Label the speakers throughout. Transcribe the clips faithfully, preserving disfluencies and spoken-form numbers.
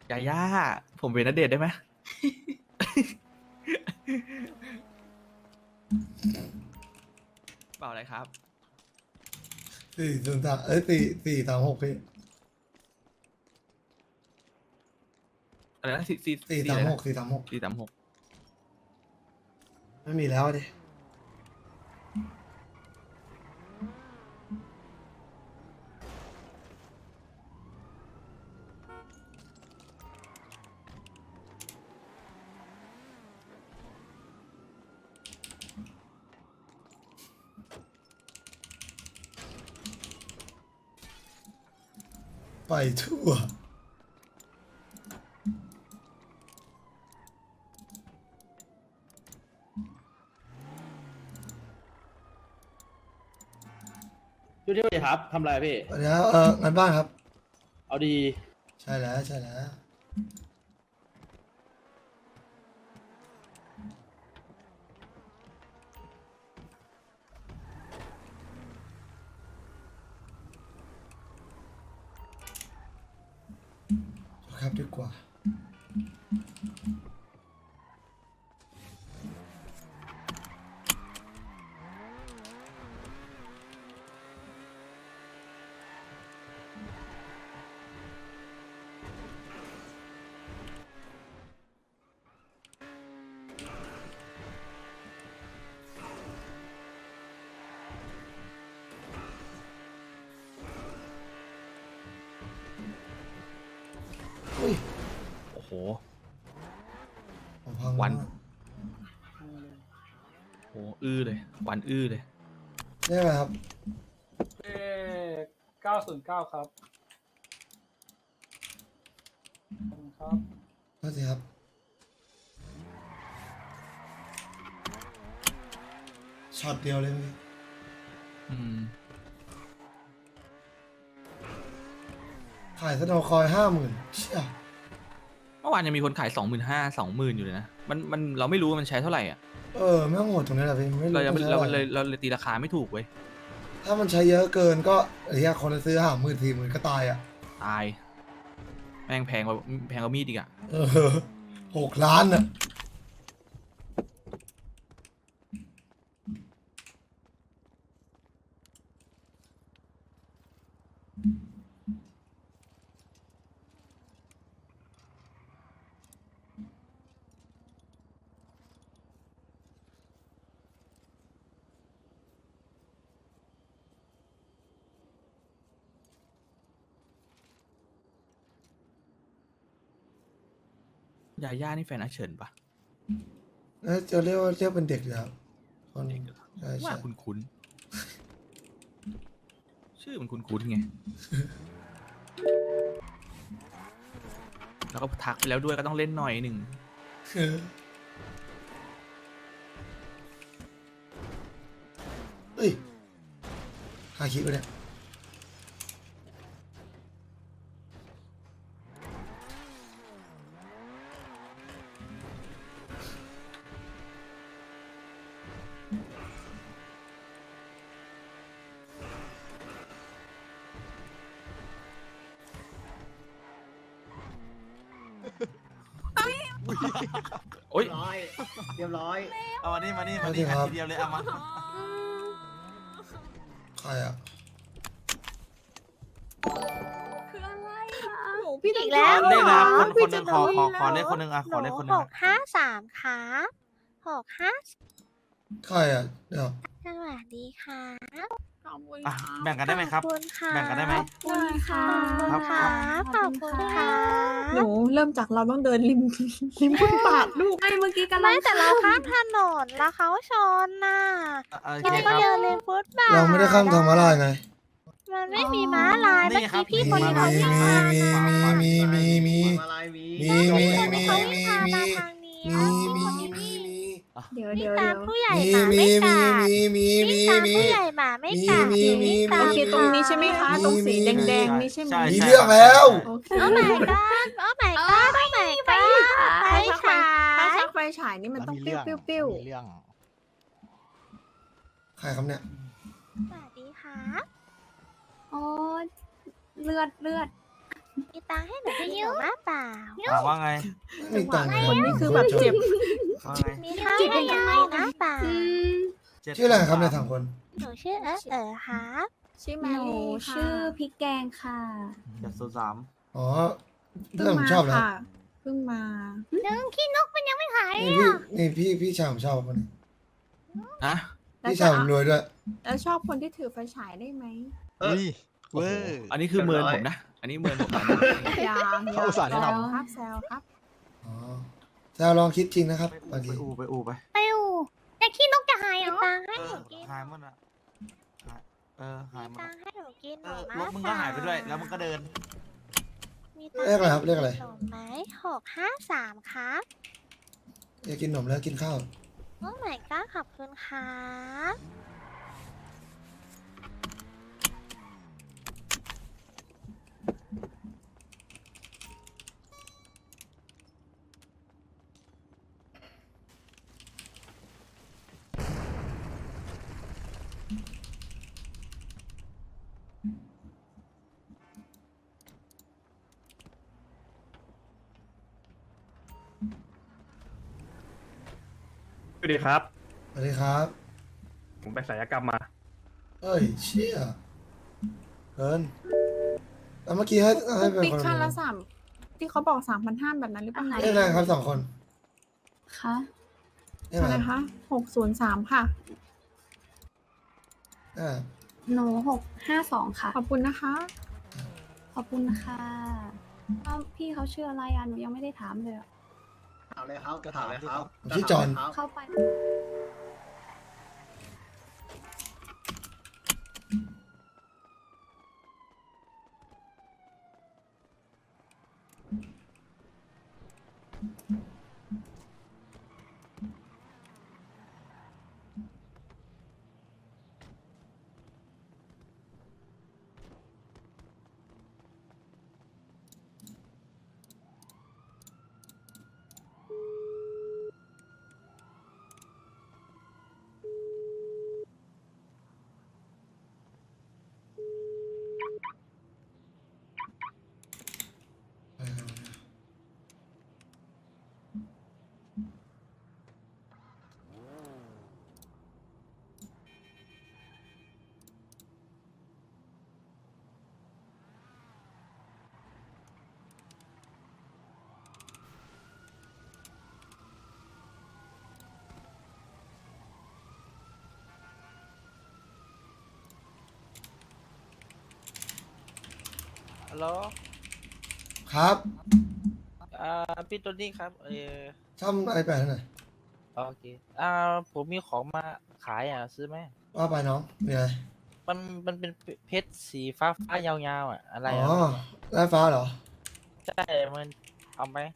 Speaker 1: ยาย่าผมเป็นณเดชน์ได้ไหม เปล่าอะไรครับ
Speaker 2: สี่ศูนย์สามเอ้ยสี่สี่สามหกพี่
Speaker 1: อะไรนะสี่สี่
Speaker 2: สี่
Speaker 1: สี่
Speaker 2: สา
Speaker 1: อะ
Speaker 2: ม
Speaker 1: ไร
Speaker 2: ห
Speaker 1: นะ
Speaker 2: กสี่สามหก
Speaker 1: สี่สามหก
Speaker 2: ไม่มีแล้วดิไปทั่ว
Speaker 3: ดูที่ดีครับทำอะไรพี่
Speaker 2: วันนี้เอองานบ้านครับ
Speaker 3: เอาดี
Speaker 2: ใช่แล้วใช่แล้วครับดีกว่าอุ้ย
Speaker 1: โอ้โห
Speaker 2: ผมพัง
Speaker 1: วัน
Speaker 2: มาก
Speaker 1: โอ้อื้อเลยวันอื้อเลย
Speaker 2: ได้ไหมครับ
Speaker 4: เลขเก้าศูนย์เก้าครับขอบคุณครับ
Speaker 2: ก็สิครับช็อตเดียวเลยพี่
Speaker 1: อืม
Speaker 2: ขายสโนว์คอยห้าหมื่นเชี่ย
Speaker 1: เมื่อวานยังมีคนขายสองหมื่นห้าสองหมื่นอยู่เลยนะมันมันเราไม่รู้ว่ามันใช้เท่าไหร่อ่ะ
Speaker 2: เออไม่ต้องโหดตรงนี้แหละพี่ไม่รู้
Speaker 1: เรายัง
Speaker 2: มันใช้
Speaker 1: เรา
Speaker 2: อะไร
Speaker 1: เลยเราเลยตีราคาไม่ถูกเว้ย
Speaker 2: ถ้ามันใช้เยอะเกินก็ไอ้เหี้ยคนจะซื้อห้าหมื่นสี่หมื่นก็ตายอ่ะ
Speaker 1: ตาย แม่งแพงกว่าแพงกว่ามีดอีกอ่ะ
Speaker 2: เออหกล้านอ่ะ
Speaker 1: ยาย่านี่แฟนอาเฉินปะ
Speaker 2: แล้วจะเรียกว่าเรียกเป็นเด็กอยู่แล้วคน
Speaker 1: เด็กเหรอ
Speaker 2: ใช่
Speaker 1: ว่า
Speaker 2: ใช่
Speaker 1: คุ้นคุ้นๆชื่อมันคุ้นคุ้นๆไง แล้วก็ทักไปแล้วด้วยก็ต้องเล่นหน่อยหนึ่ง
Speaker 2: เออเฮ้ยหาคิดวะเนี่ย
Speaker 1: โอ้ย
Speaker 5: ร้อยเรียบร้อย
Speaker 3: เอามานี่มานี่
Speaker 2: ส
Speaker 3: มา
Speaker 2: วัสดี
Speaker 3: นี่
Speaker 2: ครับ
Speaker 3: ทีเดียวเลยเอามา
Speaker 2: ใครอ่ะ
Speaker 6: คืออะไรอ่ะ
Speaker 7: หนูพี่
Speaker 6: อีก
Speaker 7: แล้
Speaker 6: แล้ว ว
Speaker 3: เลขนะคน
Speaker 7: พี่
Speaker 3: คนหนึงขอขอขอ
Speaker 7: จะ
Speaker 3: เลขคนหนึงอ่ะขอเลขคนหนึ
Speaker 7: ห
Speaker 3: ง
Speaker 7: ก
Speaker 3: อ่ะ
Speaker 7: ห้าสามครับหกห้า
Speaker 2: ใครอ่ะเดี๋ยว
Speaker 7: สวัสดีค่ะ
Speaker 6: ขอบคุณ
Speaker 3: อ่ะ
Speaker 6: ค่ะ
Speaker 3: แบ่งกันได้ไหมครับ
Speaker 7: ขอบคุณค่ะ
Speaker 3: แบ่งกันได้ไหม
Speaker 6: ขอบคุณค่ะ
Speaker 7: ขอบคุณค่ะขอบคุณค่ะ
Speaker 8: หนูเริ่มจากเราต้องเดินริม ริมฟุตบาทลูก
Speaker 6: ไม่เมื่อกี้กำลั
Speaker 7: ไม่
Speaker 6: ง
Speaker 7: แต่เราข้ามถนนแล้วเขาชนน่ะ
Speaker 3: อ่ะโอ
Speaker 7: เรา
Speaker 3: เคค
Speaker 7: ก็
Speaker 3: รับ
Speaker 7: เดินเลนฟุตบาท
Speaker 2: เราไม่ได้ข้ามทางม้าลายไง
Speaker 7: มันไม่มีม้าลาย
Speaker 3: นี่
Speaker 7: เมื่อ
Speaker 3: ครับ
Speaker 7: กี้พี่คน
Speaker 2: มี
Speaker 7: นี้เขาวิ่งมา
Speaker 2: มีมีมีมีมี
Speaker 5: อะไรมี
Speaker 2: มีมีมี
Speaker 7: เขา
Speaker 2: มี
Speaker 7: วิ่ง
Speaker 2: มี
Speaker 7: มา
Speaker 2: มี
Speaker 7: ทางนี้
Speaker 2: มีมี
Speaker 7: พี่คน
Speaker 2: มี
Speaker 7: นี้
Speaker 2: มี
Speaker 8: เดี๋ยว
Speaker 7: วิ่
Speaker 8: เดี๋
Speaker 7: ง
Speaker 8: ยว
Speaker 7: ตา
Speaker 8: เดี๋ยว
Speaker 7: มผู้ใหญ่
Speaker 2: มี
Speaker 7: หมา
Speaker 2: มี
Speaker 7: ไม่
Speaker 2: มี
Speaker 7: กัด
Speaker 2: มีมี
Speaker 7: วิ่ง
Speaker 2: มี
Speaker 7: ตาม
Speaker 2: มี
Speaker 7: ผู้ใหญ่หมาไม่กัด
Speaker 2: มีมี
Speaker 7: วิ่งตาม
Speaker 8: โอเคตรงนี้ใช่ไหมคะ ตรงสีแดงๆนี่ใช่ไหม
Speaker 3: ใช่
Speaker 2: มีเรื่องแล้ว
Speaker 8: โอเค
Speaker 7: โอ้ my god โอ้ my god โอ้ my god ไป
Speaker 8: ถ้า
Speaker 7: ฉา
Speaker 8: ชั
Speaker 7: ย
Speaker 8: กไฟฉายนี่มันต้องปิ้วปิ้วปิ้ว
Speaker 5: มีเรื่อง
Speaker 2: ใครครับเนี่ย
Speaker 7: สวัสดีค่ะ
Speaker 6: โอ้เลือดเลือด
Speaker 7: มีตังค์ให้หนูกินหนูมาเปล่า
Speaker 3: ถามว่าไง
Speaker 2: ไม่มีตังค์
Speaker 8: คนนี้คือแบบเจ็บ
Speaker 3: ว่าไง
Speaker 7: มีข้าวให้ยังไงนะเปล่า
Speaker 3: เจ็ด
Speaker 2: ชื่ออะไรครับในยสามคน
Speaker 7: หนูชื่อเออเออครับ
Speaker 8: ชื่อแม
Speaker 6: หนู
Speaker 8: รี่ค่ะ
Speaker 6: ชื่อพริกแกงค่ะ
Speaker 3: เจ็ดศูนย์สาม
Speaker 2: อ๋อ
Speaker 8: เพิ่
Speaker 2: เรื่อง
Speaker 8: ง
Speaker 2: ผม
Speaker 8: มา
Speaker 2: ชอบแล้ว
Speaker 8: ค่ะเพิ่งมา
Speaker 7: นึงขี้นกมันยังไม่หาย
Speaker 2: นี่พี่นี่พี่พี่ชายผมชอบคนนี้
Speaker 1: อะ
Speaker 8: แล้ว
Speaker 2: พี่
Speaker 8: จะ
Speaker 2: ชายผมรวยด้วย
Speaker 8: แล้วชอบคนที่ถือไฟฉายได้ไหม
Speaker 5: อุ้ย
Speaker 1: โอ้
Speaker 5: เว้
Speaker 1: โห
Speaker 5: ย
Speaker 1: อันนี้คือเมินผมนะ อันนี้เมินผมนะ
Speaker 8: ยาง
Speaker 5: เขาอุตส่าห์แนะนำ
Speaker 8: ครับแซวครับ
Speaker 2: อ๋อแซวลองคิดจริงนะครับ
Speaker 3: ไป
Speaker 2: บางที
Speaker 3: อูไปอูไป
Speaker 7: ไปอูแต่ขี้นกจะหายเหรอมีตังค์ให้
Speaker 3: เอ
Speaker 7: ห
Speaker 3: อ
Speaker 7: นูกิน
Speaker 3: หายหมดอ่ะหายเออหายหมด
Speaker 7: ตั
Speaker 3: อะ
Speaker 7: งค์ให้หนูกินห
Speaker 3: เอ
Speaker 7: นู
Speaker 3: อ
Speaker 7: มาร
Speaker 3: ถมึงก็หายไปด้วย แล้วมึงก็เดิน
Speaker 7: มีตังค์
Speaker 2: เรียกอะไรครับเรียกอะไร
Speaker 7: หนูไหมหกห้าสามครับ
Speaker 2: อยากกินขนมแล้วกินข้าว
Speaker 7: โอ้ไม่ก็ขอบคุณครับ
Speaker 9: สวัสดีครับ
Speaker 2: สวัสดีครับ
Speaker 9: ผมไปศัลยกรรมมา
Speaker 2: เอ้ยเชี่ยเกินแล้วเมื่อกี้ให้ให้เป็น
Speaker 8: ปิ๊ก
Speaker 2: คน
Speaker 8: คันละสามที่เขาบอกสามพันห้าแบบนั้นหรือเปล่า
Speaker 2: เรียกอะไรครับสองคน
Speaker 6: คะ
Speaker 2: เรียก
Speaker 8: อะ
Speaker 2: อะไร ไร
Speaker 8: คะหกศูนย์สามค่ะ
Speaker 2: อ่า
Speaker 6: หนูหกห้าสองค่ะ
Speaker 8: ขอบคุณนะคะ
Speaker 6: ขอบคุณค่ะเอ้าพี่เขาชื่ออะไรอ่ะ หนูยังไม่ได้ถามเลยอะ
Speaker 5: ถามเลยครับก็ถามเลยครับ
Speaker 2: ผมชื่อจอห์น
Speaker 6: เข้าไป
Speaker 10: ฮัลโหล
Speaker 2: ครับ
Speaker 10: อ่าพี่ตัวนี้ครับ เออ
Speaker 2: ซ่อมไอแปดหน่อย
Speaker 10: โอเค อ่า ผมมีของมาขายอ่ะ ซื้อไหม
Speaker 2: ว่าไปน้องมีอะไร
Speaker 10: มัน มันเป็นเพชรสีฟ้าฟ้ายาวๆอ่ะ อะไร
Speaker 2: อ๋อ
Speaker 10: อ่ะ
Speaker 2: ไล่ฟ้าเหรอ
Speaker 10: ใช่ มันเอาไหม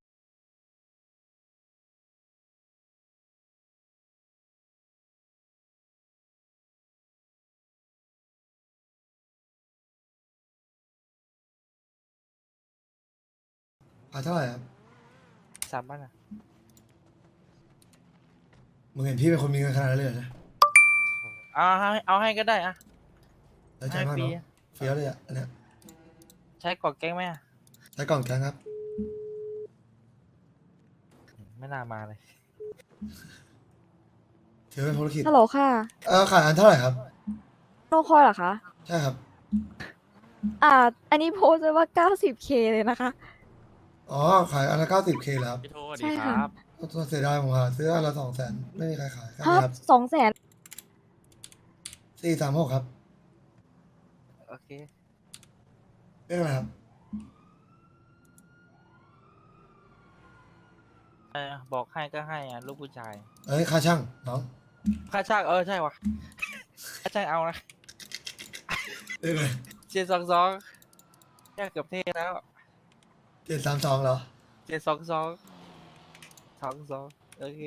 Speaker 2: อ่าเท่าไหร่ครับ
Speaker 10: สามบ้านอ่ะ
Speaker 2: มึงเห็นพี่เป็นคนมีเงินขนาดนั้นเลยเหรอเนี่ย
Speaker 10: เอาให้เอาให้ก็ได้อ่ะ
Speaker 2: แล้วใจ
Speaker 10: ให้
Speaker 2: มาก
Speaker 10: ฟรี
Speaker 2: เนาะเฟี้ยวเลยอ่ะอันเนี้ย
Speaker 10: ใช้กรอกแก้งไหมอ่ะ
Speaker 2: ใช้กล่องแกงครับ
Speaker 10: ไม่น่ามาเลย
Speaker 2: ถือเป็นธุรกิจ
Speaker 11: ฮัลโหลค่ะ
Speaker 2: เออขายอันเท่าไหร่ครับ
Speaker 11: โนคอยเหรอคะ
Speaker 2: ใช่ครับ
Speaker 11: อ่า อันนี้โพสต์ไว้ว่า เก้าสิบเค เลยนะคะ
Speaker 2: อ๋อ ขายอันละเก้าสิบเคแล้วครับ
Speaker 1: พี่โทษ
Speaker 11: ใช่
Speaker 1: ดีค
Speaker 11: ค่ะ
Speaker 1: รับ
Speaker 2: ตัวเสียดายผมหาซื้ออันละสองแสนไม่มีใครขายครับ
Speaker 11: ครับ
Speaker 2: ครับ
Speaker 11: สองแสน
Speaker 2: สี่สามหกครับ
Speaker 10: โอเค
Speaker 2: เรื่องอะไรครับ
Speaker 10: เออ บอกให้ก็ให้อ่ะ ลูกผู้ชาย
Speaker 2: เอ้ยค่าช่างน้อง
Speaker 10: ค่าช่างเออ ใช่วะค่าช่างเอานะ
Speaker 2: เรื่องอะไร
Speaker 10: เจ็ดสองสองแค่เกือบเท่แล้ว
Speaker 2: เจ็ดสามสองเหรอ
Speaker 10: เจ็ดสองสองสองสองโอเค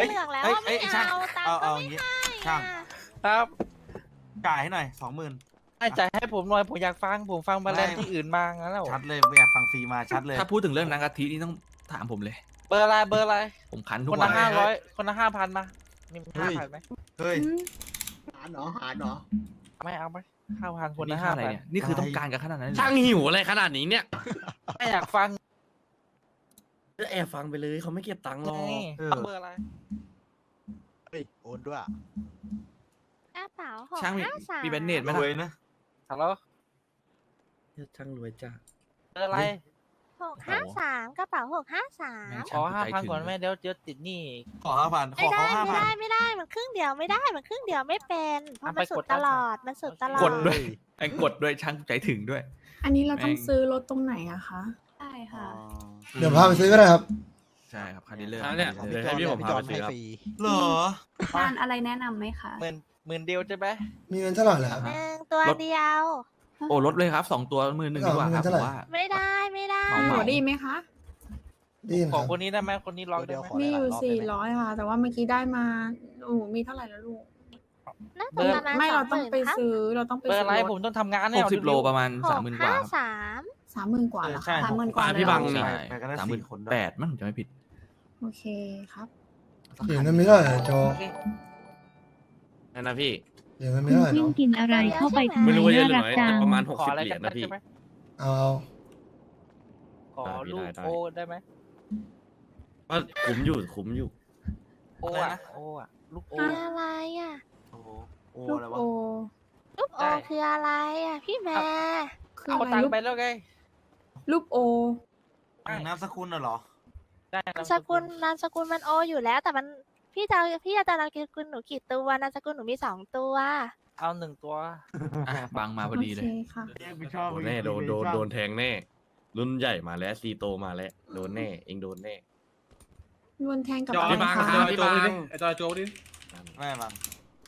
Speaker 7: เหลืองแล้ว
Speaker 3: เอ้ย
Speaker 7: อะ
Speaker 3: เอ้
Speaker 7: ไม่
Speaker 3: ยช่าง
Speaker 7: เอาตัง
Speaker 3: เอา
Speaker 7: ค์ก็
Speaker 3: เอา
Speaker 7: ไม่
Speaker 3: อย่างงี้
Speaker 7: ให้
Speaker 3: ช่าง
Speaker 7: อะ
Speaker 10: ครับ
Speaker 3: จ่ายให้หน่อยสองหมื่น
Speaker 10: ให้จ่ายให้ผมหน่อยผมอยากฟังผมฟังมาแลนด์ที่อื่นมางั้นแล้ว
Speaker 3: ชัดเลยไม่อยากฟังฟรีมาชัดเลย
Speaker 1: ถ้าพูดถึงเรื่องนางกะทินี่ต้องถามผมเลย
Speaker 10: เบอร์อะไรเบอร์อะไร
Speaker 1: ผมคันทุ
Speaker 10: ค
Speaker 1: ก
Speaker 10: น
Speaker 1: วั
Speaker 10: ละ
Speaker 1: น
Speaker 10: ห้าร้อยคนละห้าพันมามีห้าพันไหม
Speaker 3: เฮ้ย
Speaker 5: หาหนอหาหนอ
Speaker 10: ไม่เอาไหมห้าพันคน
Speaker 1: นี่
Speaker 10: ละ
Speaker 1: ค่า
Speaker 10: ห้า
Speaker 1: อะไร
Speaker 10: พัน
Speaker 1: เนี่ยนี่คือต้องการกันขนาดนั้นเลยเหรอ
Speaker 12: ช่างหิวอะไรขนาดนี้เนี่ย
Speaker 10: ไม่อยากฟัง
Speaker 12: จะแอบฟังไปเลยเขาไม่เก็บตังค์หรอก
Speaker 10: นี่
Speaker 3: เออ
Speaker 10: เอาเบอร์อะไร
Speaker 5: เฮ้ยโอนด้วย
Speaker 7: กระเป๋าหก
Speaker 1: ช่างมี
Speaker 7: ห้าสาม
Speaker 1: มีแบนเนตไหม
Speaker 3: ร
Speaker 1: ล่ะ
Speaker 3: วยนะ
Speaker 10: ฮัลโหล
Speaker 12: ช่างรวยจ้า
Speaker 10: เบอร์อะไร
Speaker 7: หกห้าสามกระเป๋าหกห้าสาม
Speaker 1: แม่ง
Speaker 10: ขอ
Speaker 1: ช่
Speaker 10: ห้าง พัน
Speaker 1: ใจถึง
Speaker 10: ก่อนแม่เดี๋ยวเดี๋ยวติดหนี้
Speaker 3: ขอห้าพันข
Speaker 7: ไม่
Speaker 3: อ
Speaker 7: ได้
Speaker 3: เขาห้า
Speaker 7: ไม่
Speaker 3: พัน
Speaker 7: ได้ไม่ได้มันครึ่งเดียวไม่ได้มันครึ่งเดียวไม่เป็นเพราะมันสุดตลอดมันสุดตลอด
Speaker 1: กดด้วยไอ้กดด้วยช่างใจถึงด้วย
Speaker 8: อันนี้เราต้อง
Speaker 1: แม่ง
Speaker 8: ซื้อรถตรงไหนอะคะ
Speaker 6: ใช่ค่ะ
Speaker 2: เดี๋ยวพาไปซื้อก็ได้ครับ
Speaker 1: ใช่ครับคาร์ดิเลอร์
Speaker 12: อ่ะเนี่ยเดี๋ยวให้พี่ผมพาไปซื้อครับ
Speaker 3: เหรอ
Speaker 6: งานอะไรแนะนำไหมคะ
Speaker 10: หมื่นหมื่นเดียวใช่ไหม
Speaker 2: มีเงินเท่าไหร่แล้ว
Speaker 7: หนึ่งตัวเดียว
Speaker 1: โอ้ลดเลยครับสองตัวมือหนึ่งดีกว่าครับ
Speaker 2: เท่า
Speaker 1: ผ
Speaker 2: ไหร่
Speaker 1: มว่า
Speaker 7: ไม่ได้ไม่ได้
Speaker 1: เหมา
Speaker 8: หนูได้ยินไหมคะ
Speaker 2: ได้ยิน
Speaker 10: ข
Speaker 2: ค
Speaker 10: อ
Speaker 2: รับ
Speaker 10: คนนี้ได้ไหมคนนี้ลองได้ไหม
Speaker 8: มีอยู่สี่ร้อยค่ะ แต่ว่าเมื่อกี้ได้มาโอ้โหมีเท่าไหร่แล้วลูก
Speaker 7: น่า
Speaker 10: เบ
Speaker 7: จะ
Speaker 10: อร์
Speaker 7: ประมาณ
Speaker 8: ไม่
Speaker 7: สอ
Speaker 8: เรา
Speaker 7: งห
Speaker 8: ต้อง
Speaker 7: มื่น
Speaker 8: ไป
Speaker 7: ครับ
Speaker 8: ซื้อเราต้องไป
Speaker 10: เบอร์
Speaker 8: ซื้
Speaker 10: อะไร
Speaker 8: อ
Speaker 10: ผมต้องทำงาน
Speaker 1: ห
Speaker 10: เนี่ย
Speaker 1: กสิบโลประมาณ
Speaker 7: ห
Speaker 1: สาม
Speaker 7: ก
Speaker 1: หมื่นกว่า
Speaker 7: ห้า
Speaker 1: ครับ
Speaker 7: สาม
Speaker 8: สามหมื่นกว่าเหรอ
Speaker 3: ใช่
Speaker 8: คะสามหมื่นกว่า
Speaker 12: อ่ะ
Speaker 8: เลย
Speaker 12: พี่
Speaker 8: เหรอ
Speaker 12: บังนี่
Speaker 1: ใช่
Speaker 3: ไปกันได้
Speaker 1: สามหมื่น
Speaker 3: สี่คนด้วย
Speaker 1: แปดมั้งจะไม่ผิด
Speaker 8: โอเคครับ
Speaker 2: เดี๋ยวเงินไม่เท่าไหร่โจ
Speaker 10: โอเค
Speaker 12: นั่นนะพี่
Speaker 2: เดี๋ยวเงินไม่เท่าไหร่เนาะ
Speaker 7: กินอะไรเข้าไป
Speaker 12: ไม่รู้ว่าเยอะหรือน้อยแต่ประมาณหก
Speaker 10: ขอ
Speaker 12: สิบ
Speaker 10: อะไร
Speaker 12: เหรี
Speaker 10: กั
Speaker 12: ย
Speaker 10: น
Speaker 12: ญนะพี่
Speaker 10: ใช่ไหม
Speaker 2: เอา
Speaker 10: ขอ
Speaker 12: ได้พี่
Speaker 10: ลูก
Speaker 12: ได้ได้
Speaker 10: โอได้ไหม
Speaker 12: ก็คุ้มอยู่คุ้มอยู่
Speaker 10: โออะโออะลูกโอ
Speaker 7: คืออะไรอ่ะ
Speaker 3: โอ้โหโอ้
Speaker 8: ลู
Speaker 3: อะ
Speaker 8: ก
Speaker 3: ไรวะ
Speaker 8: โอ
Speaker 7: ลูกโอ
Speaker 10: ได้
Speaker 7: คืออะไรอ่ะพี่แม่
Speaker 8: คือ
Speaker 10: เอา
Speaker 8: อะไร
Speaker 10: ตัง
Speaker 8: ลู
Speaker 10: ค์
Speaker 8: ก
Speaker 10: ไปแล้วไง
Speaker 8: ลูกโอ
Speaker 3: นามสกุลน่ะเหรอ
Speaker 10: ได้
Speaker 7: นามสกุลนามสกุลมันโออยู่แล้ว แต่มันพี่จะพี่จะนามสกุลหนูกี่ตัวนามสกุลหนูมีสองตัว
Speaker 10: เอาหนึ่งตัว
Speaker 1: อ่ะบังมาพอ
Speaker 8: โอ
Speaker 1: ดีเล
Speaker 8: เค
Speaker 1: ย
Speaker 8: ค่ะ
Speaker 3: ไม่ชอบ
Speaker 12: โดนแน่โดนโดนโดนแทงแน่ รุ่นใหญ่มาแล้วซีโตมาแล้วโดนแน่เองโดนแน่
Speaker 8: โดนแทงกับ
Speaker 12: จอ
Speaker 8: อะไร
Speaker 12: พี่บัง
Speaker 8: คะ
Speaker 12: จอพี่บัง
Speaker 4: ไอจอยโจดิ
Speaker 3: แม่บัง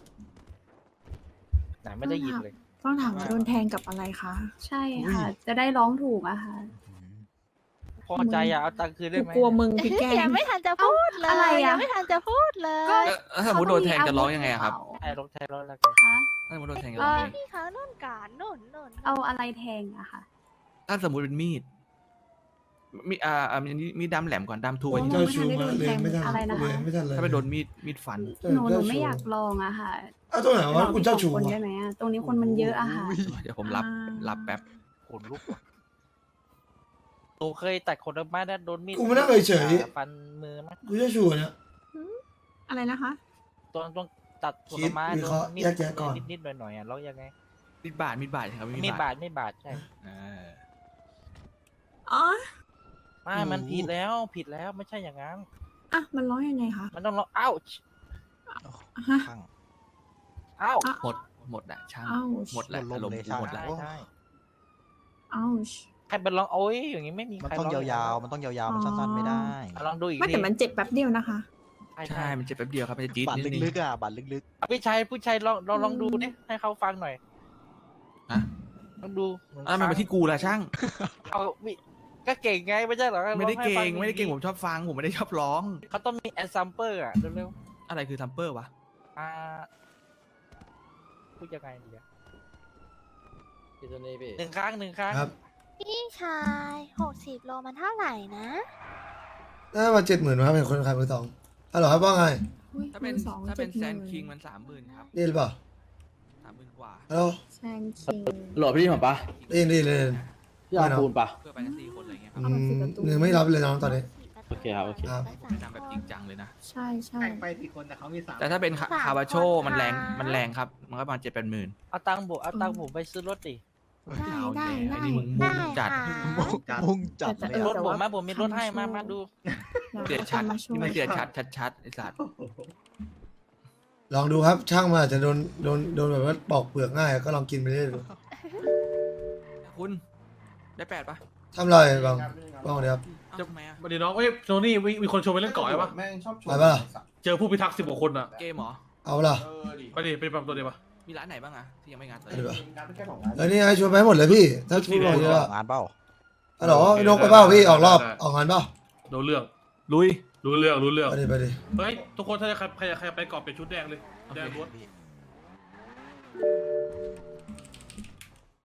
Speaker 10: ไหนไม่ได้ยินเลย
Speaker 8: ต้องถามว่าโดนแทงกับอะไรคะ
Speaker 6: ใช่ค่ะ จะได้ร้องถูกอะค่ะ
Speaker 10: พอใจอะเอาตังค์คืนได้
Speaker 8: กู
Speaker 10: ไหม
Speaker 8: กลัวมึงพี่แก
Speaker 7: ยังไม่ทันจะพูดเลย
Speaker 6: อะไรอะ
Speaker 7: ยังไม่ทันจะพูดเลย
Speaker 6: ก็
Speaker 1: เออถ้าสมมติโดนแทงจะร้องยังไงอะครับ
Speaker 10: ไอ้รถไทยรถอะไรกัน
Speaker 6: คะ
Speaker 1: ถ้าสมมติโดนแทงจะร้องยังไง
Speaker 7: พี่เขานุ่นก่อนนุ่นนุ่น
Speaker 6: เอาอะไรแทงอะค่ะ
Speaker 1: ถ้าสมมติเป็นมีดมีอ่าอ่ามีมีดดำแหลมก่อนดำทูไว้ที่
Speaker 2: เจ้าชูมาเลยไม่ทัน
Speaker 6: อะไรนะคะ
Speaker 2: เลยไม่ทันเลย
Speaker 1: ถ้าไปโดนมีดมีดฟัน
Speaker 6: หนูหนูไม่อยากลองอะค่ะ
Speaker 2: อ้าวตรงไหนวะคุณเจ้าชู
Speaker 6: ลองที่สองคน
Speaker 2: วะ
Speaker 6: ได้ไหมอะตรงนี้คนมันเยอะอะค่ะ
Speaker 1: เดี๋ยวผมรับรับแป๊บ
Speaker 10: ขนลุกว่ะโตเคยตัดขนไม้ได้โดนมีด
Speaker 2: กูไม่นั่งเฉย
Speaker 10: ฟันมือไหม
Speaker 2: ๆกูเจ้าชูเนี่ย
Speaker 8: อะไรนะคะ
Speaker 10: ตอนต้องตัดผลไม้
Speaker 2: คิดวิ
Speaker 10: โด
Speaker 2: เคราะ
Speaker 10: น
Speaker 2: ห์
Speaker 10: มีด
Speaker 2: แยกแยะก่อน
Speaker 10: นิดๆหน่อยๆอ่ะแล้วยังไง
Speaker 1: มีดบาดมีดบาดครับ
Speaker 10: มีดบาดไม่บาดใช่
Speaker 1: อ่า
Speaker 8: อ๋อ
Speaker 10: ไม่มันผิดแล้วผิดแล้วไม่ใช่อย่างนั้น
Speaker 8: อ่ะ มันร้องยังไงคะ
Speaker 10: มันต้องร้องอ้าว
Speaker 8: ฮะ
Speaker 10: อ้าว
Speaker 8: อ่ะ
Speaker 1: หมดหมดอะช่าง
Speaker 8: อ้าว
Speaker 1: หมดแล้วอารมณ์กูหมดแล้ว
Speaker 10: ใช่ใช่
Speaker 8: อ้าว
Speaker 10: ใครเป็นร้องโอ้ยอย่างงี้ไม่มี
Speaker 5: มัน
Speaker 10: ใคร
Speaker 5: ต้อง
Speaker 10: ร้
Speaker 5: ยาวๆ มันต้องยาวๆ มันสั้นๆ ไม่ได้
Speaker 10: อ่ะลองดูอีก
Speaker 8: ไม่
Speaker 10: ที
Speaker 8: แต่มันเจ็บแป๊บเดียวนะคะ
Speaker 10: ใช่
Speaker 1: ใช่ มันเจ็บแป๊บเดียวครับมันจะจี๊ด
Speaker 5: บัตร
Speaker 1: นิดนึง
Speaker 5: ลึกๆอ่ะ บัตรลึก
Speaker 10: อ่ะพี่ชายผู้ชายลองลองลองดูดิให้เขาฟังหน่อย
Speaker 1: ฮะ
Speaker 10: ลองดูหนึ่ง
Speaker 1: อ่ะมันมาที่กูละช่าง
Speaker 10: เอาวิก็เก่งไงไม่ใช่เหรอ
Speaker 1: ไม่ได้
Speaker 10: ร้อให้
Speaker 1: เก่
Speaker 10: ฟั
Speaker 1: งไม่ได้เก่งผมชอบฟังผมไม่ได้ชอบร้อง
Speaker 10: เขาต้องมีแอสซัมเปอร์อ่ะเร็ว
Speaker 1: อะไรคือทัมเปอร์วะ
Speaker 10: ๆอ่าพูดยังไงดีอะ
Speaker 12: พี่ตัวนี้พี่
Speaker 10: หนึ่งครั้งหนึ่งครั้ง
Speaker 2: ครับ
Speaker 7: พี่ชายหกสิบโลมันเท่าไหร่นะ
Speaker 2: น่ามาเจ็ดหมื่นครับเป็นคนขายมือสองฮัลโหลครับว่าไง
Speaker 8: อุ๊ย
Speaker 1: ถ้าเป็น
Speaker 8: มือสอง
Speaker 1: ถ้าเป็น
Speaker 8: จ็ด
Speaker 1: แซ
Speaker 8: หมื่
Speaker 1: นคิงมันสามหมื่นครับ
Speaker 2: ได้หรือเปล่า
Speaker 1: สามหมื่นกว่า
Speaker 2: ฮัลโหล
Speaker 8: แซนคิง
Speaker 12: หล่อพี่ผมปะ
Speaker 2: ได้ยินได้ยินได้ยิน
Speaker 12: พี่เอาปูนปะ
Speaker 1: เพื่อไปทั้งสี่คนอะไรเงี้ยครับ
Speaker 2: อืมหนึ่งไม่รับเลยน้องตอนนี้
Speaker 12: โอเคครับโอเค
Speaker 2: ครับ
Speaker 1: แนะนำแบบจริงจังเลยนะ
Speaker 8: ใช่ใช่
Speaker 5: ๆแข่งไปสี่คนแต่เขามีสาม
Speaker 1: แต่ถ้าเป็นคาบาโชมันแรงมันแรงครับ มันก็ประมาณเจ็ดแปดหมื่น
Speaker 10: เอาตังค์ผมเอาตังค์ผมไปซื้อรถดิ
Speaker 8: ได้
Speaker 1: เอา
Speaker 8: ได้
Speaker 1: แน่
Speaker 8: ได้
Speaker 1: ไอ้นี่มึงมุ่งจัด
Speaker 7: ค่ะ
Speaker 5: มุ่งจัด
Speaker 8: แต่
Speaker 5: เลย
Speaker 8: เออ
Speaker 10: รถ
Speaker 8: แต่
Speaker 10: ผม
Speaker 8: ว่า
Speaker 10: มาผมมีรถให้มามาดู
Speaker 1: เสียชัด
Speaker 8: มาช่วย
Speaker 1: นี่มันเสียชัดชัดชัดไอ้สัตว์
Speaker 2: ลองดูครับช่างมาอาจจะโดนโดนโดนแบบว่าปอกเปลือกง่ายก็ลองกินไปเรื่อยดู
Speaker 1: คุณได้แปดปะ
Speaker 2: ทำไรบางบางเดี๋ยวครับ
Speaker 1: เอ้าทำไมอะ
Speaker 4: วันนี้น้องเอ้ยโทนี่มีมีคนชวนไปเล่นเกาะใช่ปะ
Speaker 2: ไปปะล่ะ
Speaker 4: เจอผู้พิทักษ์สิบกว่าคนอ่ะ
Speaker 1: เกมเหรอ
Speaker 2: เอาล่ะ
Speaker 4: ไปดิไปปั๊มตัวเดียวปะ
Speaker 1: มีร้านไหนบ้างอะที่ยังไม่งานเลย
Speaker 2: เอาดีกว่าเออนี่ไงชวนไปให้หมดเลยพี่ ถ้าชวนบอกเยอะ
Speaker 5: งานเปล่า
Speaker 2: ฮัลโหลพี่นกไปเปล่าพี่ออกรอบออกงานเปล่า
Speaker 4: โดนเรื่อง
Speaker 1: ลุย
Speaker 9: รู้เรื่องรู้เรื่อง
Speaker 2: ไปดิไปดิ
Speaker 9: เฮ้ยทุกคนถ้าจะใครใครใครไปกรอบเป็นชุดแดงเลยแดงล้วน
Speaker 5: พี่